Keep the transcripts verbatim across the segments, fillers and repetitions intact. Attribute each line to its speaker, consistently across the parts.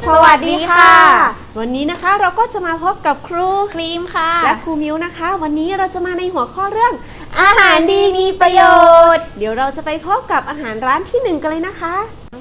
Speaker 1: สวัสดีค่ะ
Speaker 2: วันนี้นะคะเราก็จะมาพบกับครู
Speaker 1: ครีมค่ะ
Speaker 2: และครูมิวนะคะ วันนี้เราจะมาในหัวข้อเรื่อง
Speaker 1: อาหารดีมีประโยชน์
Speaker 2: เดี๋ยวเราจะไปพบกับอาหารร้านที่หนึ่งกันเลยนะคะ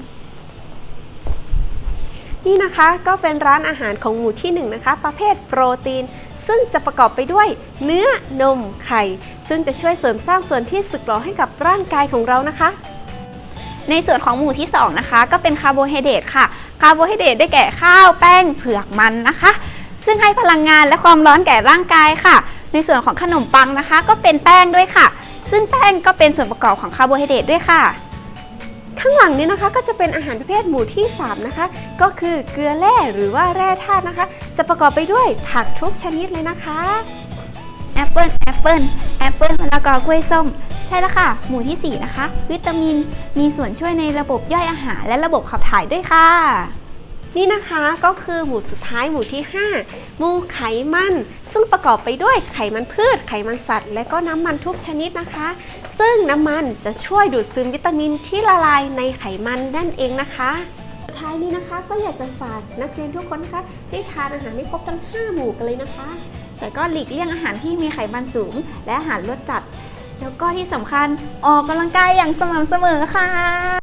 Speaker 2: นี่นะคะก็เป็นร้านอาหารของหมู่ที่หนึ่งนะคะประเภทโปรตีนซึ่งจะประกอบไปด้วยเนื้อนมไข่ซึ่งจะช่วยเสริมสร้างส่วนที่สึกหรอให้กับร่างกายของเรานะคะ
Speaker 1: ในส่วนของหมู่ที่สองนะคะก็เป็นคาร์โบไฮเดรตค่ะคาร์โบไฮเดรตได้แก่ข้าวแป้งเผือกมันนะคะซึ่งให้พลังงานและความร้อนแก่ร่างกายค่ะในส่วนของขนมปังนะคะก็เป็นแป้งด้วยค่ะซึ่งแป้งก็เป็นส่วนประกอบของคาร์โบไฮเดรตด้วยค่ะ
Speaker 2: ข้างหลังนี้นะคะก็จะเป็นอาหารประเภทหมู่ที่สามนะคะก็คือเกลือแร่หรือว่าแร่ธาตุนะคะจะประกอบไปด้วยผักทุกชนิดเลยนะคะ
Speaker 1: แอปเปิลแอปเปิลแอปเปิลมะละกอกล้วยส้มใช่แล้วค่ะหมู่ที่สี่นะคะวิตามินมีส่วนช่วยในระบบย่อยอาหารและระบบขับถ่ายด้วยค่ะ
Speaker 2: นี่นะคะก็คือหมู่สุดท้ายหมู่ที่ห้าหมู่ไขมันซึ่งประกอบไปด้วยไขมันพืชไขมันสัตว์และก็น้ำมันทุกชนิดนะคะซึ่งน้ำมันจะช่วยดูดซึมวิตามินที่ละลายในไขมันนั่นเองนะคะสุดท้ายนี้นะคะก็อยากจะฝากนักเรียนทุกคนนะคะให้ทานอาหารให้ครบทั้งห้าหมู่กันเลยนะคะ
Speaker 1: แต่ก็หลีกเลี่ยงอาหารที่มีไขมันสูงและอาหารรสจัดแล้วก็ที่สำคัญออกกำลังกายอย่างสม่ำเสมอค่ะ